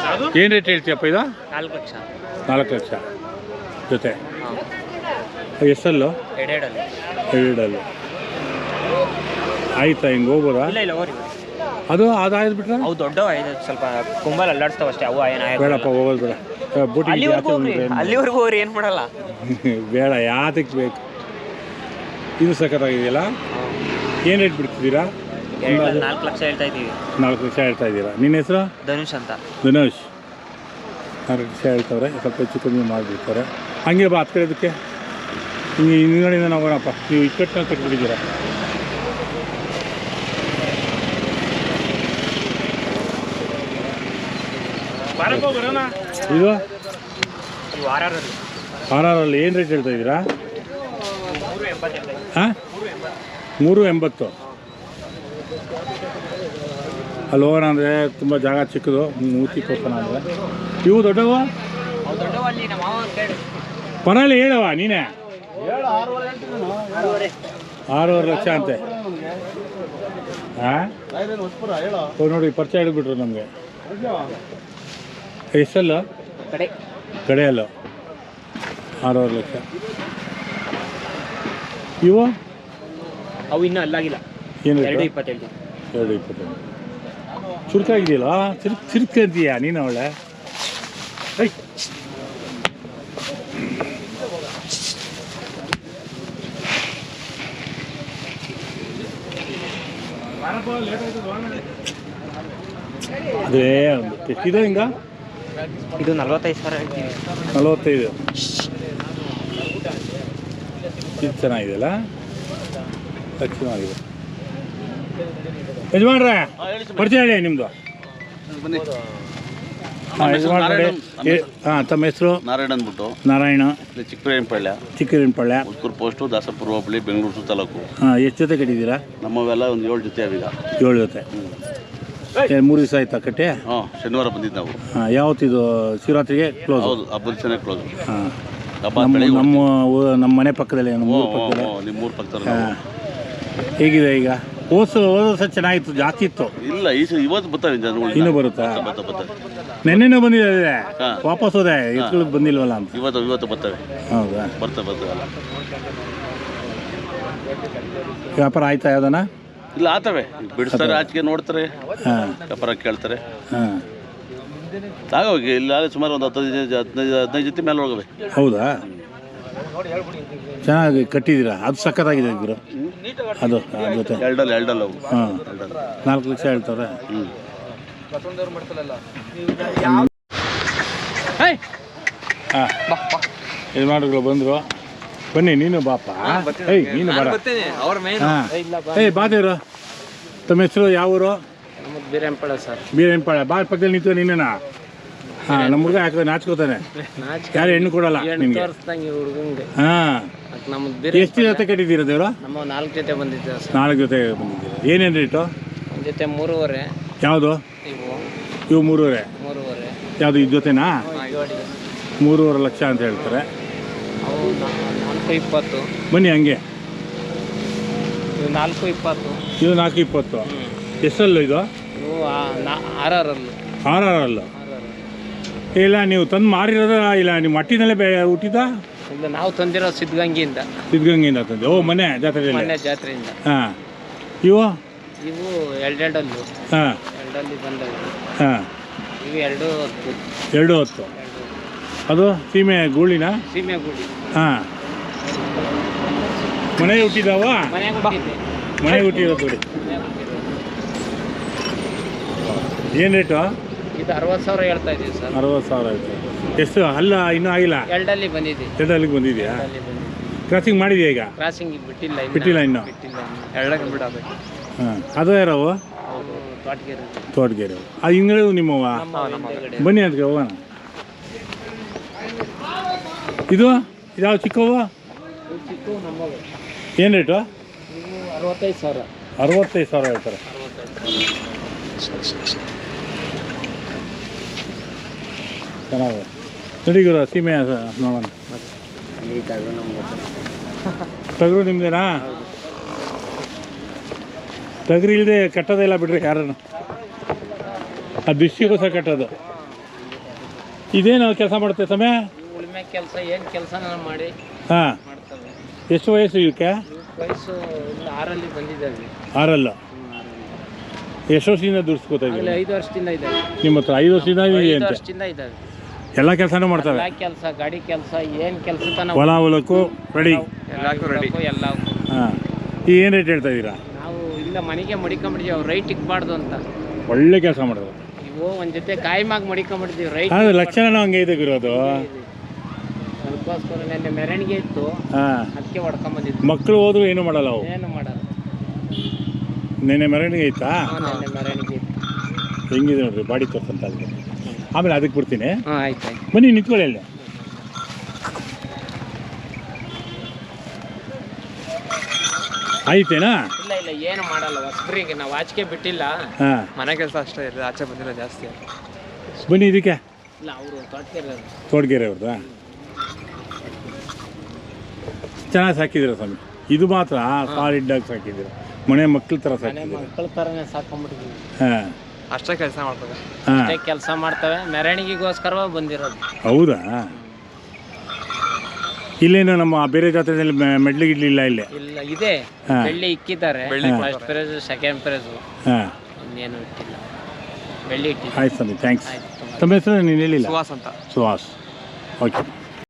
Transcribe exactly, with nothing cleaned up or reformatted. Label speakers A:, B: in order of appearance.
A: ಏನು ರೇಟ್ ಹೇಳ್ತೀಯಪ್ಪ ಇದು?
B: ನಾಲ್ಕು ಲಕ್ಷ.
A: ನಾಲ್ಕು ಲಕ್ಷ ಜೊತೆ ಎಷ್ಟಲ್ಲು?
B: ಎರಡೆರಡಲ್ಲಿ.
A: ಎರಡಲ್ಲು ಆಯ್ತಾ? ಹಿಂಗೆ ಹೋಗ್ಬೋದಾ?
B: ಇಲ್ಲ ಇಲ್ಲ ಹೋರಿ.
A: ಅದು ಅದು ಆಯ್ತು ಬಿಟ್ರೆ
B: ಅವು ದೊಡ್ಡವು ಐದು ಸ್ವಲ್ಪ ಕುಂಬಲ್ ಅಲ್ಲಾಡ್ತಾವ ಅಷ್ಟೇ. ಅವು ಏನು
A: ಬೇಡಪ್ಪ, ಹೋಗೋದು ಬೇಡ. ಬೂಟಿ
B: ಅಲ್ಲಿವರೆಗೂ ಹೋರಿ ಏನು ಮಾಡಲ್ಲ.
A: ಬೇಡ, ಯಾತಕ್ಕೆ ಬೇಕು? ಇದು ಸಖತ್ತಾಗಿದೆಯಲ್ಲ. ಏನು ರೇಟ್ ಬಿಡ್ತಿದ್ದೀರಾ?
B: ನಾಲ್ಕು ಲಕ್ಷ ಹೇಳ್ತಾ ಇದ್ದೀವಿ.
A: ನಾಲ್ಕು ಲಕ್ಷ ಹೇಳ್ತಾ ಇದ್ದೀರಾ. ನಿನ್ನ ಹೆಸರು?
B: ಧನುಷ್ ಅಂತ.
A: ಧನುಷ್. ನಾಲ್ಕು ಲಕ್ಷ ಹೇಳ್ತವ್ರೆ, ಸ್ವಲ್ಪ ಹೆಚ್ಚು ಕಮ್ಮಿ ಮಾಡಿಬಿಡ್ತಾರೆ. ಹಂಗೆ ಬಾ ಹತ್ತು ಕಡೆದಕ್ಕೆ. ಹಿಂಗೆ ಹಿಂದ್ಗಡೆಯಿಂದ ಹೋಗೋಣಪ್ಪ. ನೀವು ಇಕ್ಕಟ್ಟನ್ನ ಕಟ್ಬಿಟ್ಟಿದ್ದೀರಾ. ಇದು ಆರ್ ಆರಲ್ಲಿ ಏನು ರೇಟ್ ಹೇಳ್ತಾ ಇದ್ದೀರಾ? ಹಾಂ, ಮೂರು ಎಂಬತ್ತು. ಅಲ್ಲಿ ಹೋಗೋಣ ಅಂದರೆ ತುಂಬ ಜಾಗ ಚಿಕ್ಕದು, ಮೂತಿ ಕೊಡ್ತಾನ ಅಂದರೆ. ಇವು ದೊಡ್ಡವ ಪರವಾಗಿ ಹೇಳವ ನೀನೇ. ಆರೂವರೆ ಲಕ್ಷ ಅಂತೆ. ಹಾಂ ನೋಡಿ, ಪರಿಚಯ ಹಿಡಿದ್ಬಿಟ್ರು ನಮಗೆ. ಎಷ್ಟಲ್ಲ
B: ಕಡೆ
A: ಕಡೆಯಲ್ಲ ಆರೂವರೆ ಲಕ್ಷ. ಇವು
B: ಅವು ಇನ್ನೂ ಅಲ್ಲಾಗಿಲ್ಲ.
A: ಏನು?
B: ಎರಡು ಇಪ್ಪತ್ತೇಳು.
A: ಎರಡು ಇಪ್ಪತ್ತೇಳು. ಚುರುಕಾಗಿದೆಯಲ್ಲ, ಚಿರುಕ್ ಚಿರುಕಂತೀಯ ನೀನು ಅವಳೆ. ಐ ಅದೇ ಒಂದು ಎಷ್ಟಿದೆ ಹಿಂಗ?
B: ಇದು ನಲ್ವತ್ತೈದು ಸಾವಿರ ಹೇಳ್ತೀವಿ.
A: ನಲವತ್ತೈದು. ಇದು ಚೆನ್ನಾಗಿದೆಯಲ್ಲ, ಚೆನ್ನಾಗಿದೆ. ಯಜಮಾನ್ರೆ ಪರಿಚಯ ಹೇಳಿ ನಿಮ್ಮದು. ಹಾಂ ಯಜಮಾನ್ರೆ. ಹಾಂ, ತಮ್ಮ ಹೆಸರು?
C: ನಾರಾಯಣ ಅಂದ್ಬಿಟ್ಟು.
A: ನಾರಾಯಣ.
C: ಚಿಕ್ಕರೇನಪಾಳ್ಯ.
A: ಚಿಕ್ಕರೇನಪಾಳ್ಯ.
C: ಉತ್ಕೂರು ಪೋಸ್ಟು, ದಾಸಪುರ ಹೋಬಳಿ, ಬೆಂಗಳೂರು ತಾಲೂಕು.
A: ಹಾಂ, ಎಷ್ಟು ಜೊತೆ ಕಟ್ಟಿದ್ದೀರಾ?
C: ನಮ್ಮವೆಲ್ಲ ಒಂದು ಏಳು ಜೊತೆ ಅವೀಗ.
A: ಏಳು ಜೊತೆ. ಮೂರು ದಿವಸ ಆಯ್ತಾ ಕಟ್ಟೆ?
C: ಹಾಂ, ಶನಿವಾರ ಬಂದಿದ್ದು ನಾವು.
A: ಹಾಂ, ಯಾವತ್ತಿದು? ಶಿವರಾತ್ರಿಗೆ ಕ್ಲೋಸ್?
C: ಹೌದು, ಹಬ್ಬದ ಚೆನ್ನಾಗಿ ಕ್ಲೋಸ್.
A: ಹಾಂ,
C: ಹಬ್ಬ
A: ನಮ್ಮ ಊ- ನಮ್ಮ ಮನೆ ಪಕ್ಕದಲ್ಲಿ, ನಮ್ಮ ಊರ ಪಕ್ಕದಲ್ಲಿ.
C: ನಿಮ್ಮ ಮೂರು ಪಕ್ಕದಲ್ಲಿ.
A: ಹಾಂ, ಹೇಗಿದೆ ಈಗ? ಓಸು ಹೋದ ವರ್ಷ ಚೆನ್ನಾಗಿತ್ತು, ಜಾಸ್ತಿ ಇತ್ತು.
C: ಇಲ್ಲ, ಈ ಸ- ಇವತ್ತು ಬರ್ತಾವೆ ಜನಗಳು.
A: ಇನ್ನೂ ಬರುತ್ತಾ?
C: ಬರ್ತಾ ಬರ್ತಾರೆ.
A: ನೆನ್ನೆನೂ ಬಂದಿದೆ,
C: ಹಾಂ.
A: ವಾಪಸ್ ಹೋದೆ, ಎತ್ಕೊಳ್ಳೋದು ಬಂದಿಲ್ವಲ್ಲ ಅಂತ.
C: ಇವತ್ತು ಇವತ್ತು ಬರ್ತವೆ.
A: ಹೌದಾ?
C: ಬರ್ತಾ ಬರ್ತವೆ.
A: ವ್ಯಾಪಾರ ಆಯ್ತಾ ಯಾವ್ದನ?
C: ಇಲ್ಲ, ಆತವೆ. ಬಿಡಿಸ್ತಾರೆ, ಆಚೆಗೆ ನೋಡ್ತಾರೆ,
A: ಹಾಂ
C: ವ್ಯಾಪಾರ ಕೇಳ್ತಾರೆ.
A: ಹಾಂ.
C: ಆಗೋಗಿ ಇಲ್ಲ ಸುಮಾರು ಒಂದು ಹತ್ತೈದು ಹದಿನೈದು ಹದಿನೈದು ಜೊತೆ ಮೇಲೆ ಹೋಗವೆ.
A: ಹೌದಾ? ಚೆನ್ನಾಗಿ ಕಟ್ಟಿದ್ದೀರಾ. ಅದು ಸಖತ್ತಾಗಿದೆ ಗುರು. ಅದು ಅದ್ರ ಜೊತೆ
C: ಎರಡಲ್ಲ ಎರಡಲ್ಲ ಅವು.
A: ಹಾಂ, ನಾಲ್ಕು ಲಕ್ಷ ಹೇಳ್ತಾರೆ.
C: ಹ್ಞೂ.
A: ಹಾಂ, ಯಜಮಾನ್ರುಗಳು ಬಂದರು. ಬನ್ನಿ, ನೀನು ಬಾಪ. ಏಯ್ ನೀನು ಬೇಡ. ಹಾಂ, ಏಯ್ ಬಾದೇವ್ರು. ತಮ್ಮ ಹೆಸರು ಯಾವ ಊರು?
B: ಬೀರೇನಪಾಳ್ಯ ಸರ್.
A: ಬೀರೇನಪಾಳ್ಯ. ಬಾ ಪಕ್ಕದಲ್ಲಿ ನಿಂತು ನೀನೇನಾ? ಹಾಂ, ನಮ್ಮ ಹುಡುಗ ಯಾಕೆ ನಾಚ್ಕೋತಾನೆ, ಯಾರು ಹೆಣ್ಣು ಕೊಡಲ್ಲ ನಿಮಗೆ. ಹಾಂ, ಎಷ್ಟು ಜೊತೆ ಕಟ್ಟಿದ್ದೀರಾ ದೇವ್ರ?
B: ನಮ್ಮ ನಾಲ್ಕು ಜೊತೆ ಬಂದಿದ್ದೇವೆ ಸರ್.
A: ನಾಲ್ಕು ಜೊತೆ ಬಂದಿದ್ದೀರಾ. ಏನೇನು ರೇಟು?
B: ಒಂದು ಜೊತೆ ಮೂರುವರೆ.
A: ಯಾವುದು
B: ಇವು
A: ಇವು? ಮೂರುವರೆ.
B: ಮೂರುವರೆ.
A: ಯಾವುದು ಇದು ಜೊತೆನಾ? ಮೂರುವರೆ ಲಕ್ಷ ಅಂತ ಹೇಳ್ತಾರೆ.
B: ಅವು ನಾಲ್ಕು ಇಪ್ಪತ್ತು.
A: ಬನ್ನಿ ಹಂಗೆ.
B: ಇವು ನಾಲ್ಕು ಇಪ್ಪತ್ತು.
A: ಇದು ನಾಲ್ಕು ಇಪ್ಪತ್ತು. ಎಷ್ಟಲ್ಲೂ ಇದು?
B: ಇವು ಆರರಲ್ಲು.
A: ಆರರಲ್ಲು. ಇಲ್ಲ, ನೀವು ತಂದು ಮಾರಿರೋದ? ಇಲ್ಲ, ನಿಮ್ಮ ಮಟ್ಟಿನಲ್ಲೇ ಬೆ ಹುಟ್ಟಿದ?
B: ಇಲ್ಲ, ನಾವು ತಂದಿರೋ ಸಿದ್ಧಗಂಗೆಯಿಂದ.
A: ಸಿದ್ಧಗಂಗೆಯಿಂದ ತಂದೆ. ಓ, ಮನೆ ಜಾತ್ರೆಯಲ್ಲಿ?
B: ಮನೆ ಜಾತ್ರೆಯಿಂದ.
A: ಹಾಂ. ಇವು
B: ಇವು ಎರಡೆರಡಲ್ಲು.
A: ಹಾಂ,
B: ಎರಡಲ್ಲಿ ಬಂದವು.
A: ಹಾಂ.
B: ಇವು ಎರಡು ಹೊತ್ತು.
A: ಎರಡು ಹೊತ್ತು. ಅದು ಸೀಮೆ ಗೂಳಿನ?
B: ಸೀಮೆ ಗುಡಿ.
A: ಹಾಂ. ಮನೆ ಹುಟ್ಟಿದಾವ?
B: ಮನೆಗೆ ಹುಟ್ಟಿದ್ದೆ.
A: ಮನೆಗೆ ಹುಟ್ಟಿರೋದು ನೋಡಿ. ಏನು ರೇಟು?
B: ಇದು ಅರವತ್ತು ಸಾವಿರ ಹೇಳ್ತಾ ಇದ್ದೀವಿ ಸರ್.
A: ಅರವತ್ತು ಸಾವಿರ ಆಯಿತು. ಎಷ್ಟು ಅಲ್ಲ ಇನ್ನೂ ಆಗಿಲ್ಲ?
B: ಎರಡಲ್ಲಿ ಬಂದಿದೆ.
A: ಎರಡಲ್ಲಿಗೆ ಬಂದಿದೆಯಾ? ಕ್ರಾಸಿಂಗ್ ಮಾಡಿದೆಯಾ ಈಗ?
B: ಕ್ರಾಸಿಂಗ್ ಬಿಟ್ಟಿಲ್ಲ.
A: ಬಿಟ್ಟಿಲ್ಲ ಇನ್ನೂ?
B: ಬಿಟ್ಟಿಲ್ಲ. ಎರಡಕ್ಕೆ ಬಿಡಬೇಕು.
A: ಹಾಂ, ಅದು ಯಾರವು?
B: ಹೌದು, ತೋಟಗೆರೆ.
A: ತೋಟಗೆರೆ. ಅದು ಹಿಂಗಡೆ ನಿಮ್ಮವ? ಬನ್ನಿ ಅದಕ್ಕೆ ಹೋಗೋಣ. ಇದು ಇದಾವ ಚಿಕ್ಕವು?
B: ಚಿಕ್ಕ ನಮ್ಮವು.
A: ಏನು ರೇಟು?
B: ಇವು ಅರವತ್ತೈದು ಸಾವಿರ.
A: ಅರವತ್ತೈದು ಸಾವಿರ ಹೇಳ್ತಾರೆ. ಚೆನ್ನಾಗಿದೆ. ನಡಿ ಗುರು, ಸೀಮೆ ನೋಡೋಣ. ಟಗರು ನಿಮ್ದೇನಾ? ಟಗರು ಇಲ್ಲದೆ ಕಟ್ಟೋದಿಲ್ಲ ಬಿಡ್ರಿ ಯಾರನ್ನು. ಅದು ದಿಷ್ಟಿಗೋಸ್ಕರ ಕಟ್ಟೋದು. ಇದೇನು ಕೆಲಸ ಮಾಡುತ್ತೆ ಸಮಯ?
B: ಉಳುಮೆ ಕೆಲಸ ಏನು ಕೆಲಸ ಮಾಡಿ
A: ಹಾಂ.
B: ಮಾಡ್ತವೆ.
A: ಎಷ್ಟು ವಯಸ್ಸು ಇವಕ್ಕೆ?
B: ಇವಕ್ಕೆ ವಯಸ್ಸು ಒಂದು ಆರಲ್ಲಿ ಬಂದಿದ್ದಾವೆ.
A: ಆರಲ್ಲ.
B: ಹ್ಞೂ ಆರಲ್ಲಿ.
A: ಎಷ್ಟು ವರ್ಷದಿಂದ ದುಡಿಸ್ಕೋತಾ
B: ಆಗಲೇ
A: ಇದ್ದೀವಿ
B: ಐದು ವರ್ಷದಿಂದ ಇದ್ದಾವೆ.
A: ನಿಮ್ಮ ಹತ್ರ? ಐದು ವರ್ಷದಿಂದ ಇದೆ
B: ಐದು
A: ಅಂತೆ.
B: ವರ್ಷದಿಂದ ಇದ್ದಾವೆ.
A: ಎಲ್ಲ ಕೆಲಸನೂ ಮಾಡ್ತವೆ?
B: ಎಲ್ಲ ಕೆಲಸ, ಗಾಡಿ ಕೆಲಸ, ಏನು ಕೆಲಸ ತನ
A: ಹೊಲ ಹೊಲಕ್ಕೂ ರೆಡಿ?
B: ಎಲ್ಲಕ್ಕೂ ರೆಡಿ ಎಲ್ಲಕ್ಕೂ.
A: ಹಾಂ. ಈಗ ಏನು ರೇಟ್ ಹೇಳ್ತಾ ಇದ್ದೀರಾ?
B: ನಾವು ಇಲ್ಲ ಮನೆಗೆ ಮಡಿಕೊಂಬಿಟ್ಟಿದ್ದೀವಿ, ಅವ್ರು ರೈಟ್ ಇಕ್ಬಾರ್ದು ಅಂತ.
A: ಒಳ್ಳೆ ಕೆಲಸ ಮಾಡಿದ್ರು.
B: ಇವು ಒಂದು ಜೊತೆ ಕಾಯಿ ಮಾಗಿ ಮಡಿಕೊಂಬಿಟ್ಟಿದ್ದೀವಿ, ರೈಟ್.
A: ಅದು ಲಕ್ಷಣನೂ ಹಂಗೆ ಇದೆ ಗುರೋದು.
B: ಅದಕ್ಕೋಸ್ಕರ ನೆನ್ನೆ ಮೆರವಣಿಗೆ ಇತ್ತು,
A: ಹಾಂ.
B: ಅದಕ್ಕೆ ಹೊಡ್ಕೊಂಬಂದಿದ್ವಿ.
A: ಮಕ್ಕಳು ಹೋದ್ರು ಏನು ಮಾಡಲ್ಲ ಅವು?
B: ಏನು ಮಾಡಲ್ಲ.
A: ನೆನ್ನೆ ಮೆರವಣಿಗೆ ಐತಾ?
B: ನೆನ್ನೆ ಮೆರವಣಿಗೆ ಇತ್ತು.
A: ಹೆಂಗಿದೆ ನೋಡ್ರಿ ಬಾಡಿ ತೋರ್ಸಂತ ಅಲ್ಲಿ. ಆಮೇಲೆ ಅದಕ್ಕೆ ಬಿಡ್ತೀನಿ.
B: ಹಾಂ ಆಯ್ತು ಆಯ್ತು.
A: ಬನ್ನಿ ನಿಂತ್ಕೊಳ್ಳಿ ಅಲ್ಲಿ. ಆಯ್ತೇನಾ?
B: ಇಲ್ಲ ಇಲ್ಲ ಏನು ಮಾಡಲ್ಲ, ಹೊಸಬ್ರಿಗೆ ನಾವು ಆಚೆಗೆ ಬಿಟ್ಟಿಲ್ಲ.
A: ಹಾಂ.
B: ಮನೆ ಕೆಲಸ ಅಷ್ಟೇ ಇರ್ತದೆ, ಆಚೆ ಬಂದಿಲ್ಲ ಜಾಸ್ತಿ.
A: ಬನ್ನಿ ಇದಕ್ಕೆ.
B: ಇಲ್ಲ ಅವರು ತೋಟಕ್ಕೆ
A: ತೋಟಗೆರೆ ಅವ್ರದ್ದಾ? ಚೆನ್ನಾಗಿ ಸಾಕಿದ್ದೀರ ಸ್ವಾಮಿ. ಇದು ಮಾತ್ರ ಸಾಲಿಡ್ಡಾಗಿ ಸಾಕಿದ್ದೀರ, ಮನೆ ಮಕ್ಕಳ ಥರ
B: ಮನೆ
A: ಸಾಕಿದ್ದೀರ.
B: ಮಕ್ಕಳ ಥರನೇ ಸಾಕೊಂಡ್ಬಿಟ್ಟಿದ್ದೀವಿ.
A: ಹಾಂ.
B: ಅಷ್ಟೇ ಕೆಲಸ ಮಾಡ್ತವೆ.
A: ಹಾಂ.
B: ಅಷ್ಟೇ ಕೆಲಸ ಮಾಡ್ತವೆ, ಮೆರವಣಿಗೆಗೋಸ್ಕರ ಬಂದಿರೋದು.
A: ಹೌದಾ? ಇಲ್ಲೇನು ನಮ್ಮ ಬೇರೆ ಜಾತ್ರೆಯಲ್ಲಿ ಮೆಡ್ಲಿ ಗಿಡ್ಲಿ ಇಲ್ಲ ಇಲ್ಲಿ?
B: ಇಲ್ಲ ಇದೆ,
A: ಹಾಂ.
B: ಬೆಳ್ಳಿ ಇಕ್ಕಿದ್ದಾರೆ. ಫಸ್ಟ್ ಪ್ರೈಸ್, ಸೆಕೆಂಡ್ ಪ್ರೈಸು,
A: ಹಾಂ.
B: ಇನ್ನೇನು ಇಟ್ಟಿಲ್ಲ, ಬೆಳ್ಳಿ ಇಟ್ಟಿಲ್ಲ.
A: ಆಯ್ತು ಸ್ವಾಮಿ, ಥ್ಯಾಂಕ್ಸ್.
B: ಆಯ್ತು.
A: ತಮ್ಮ ಹೆಸರು ನೀನು ಹೇಳಿಲ್ಲ?
B: ಸುಹಾಸ್ ಅಂತ.
A: ಸುಹಾಸ್. ಓಕೆ.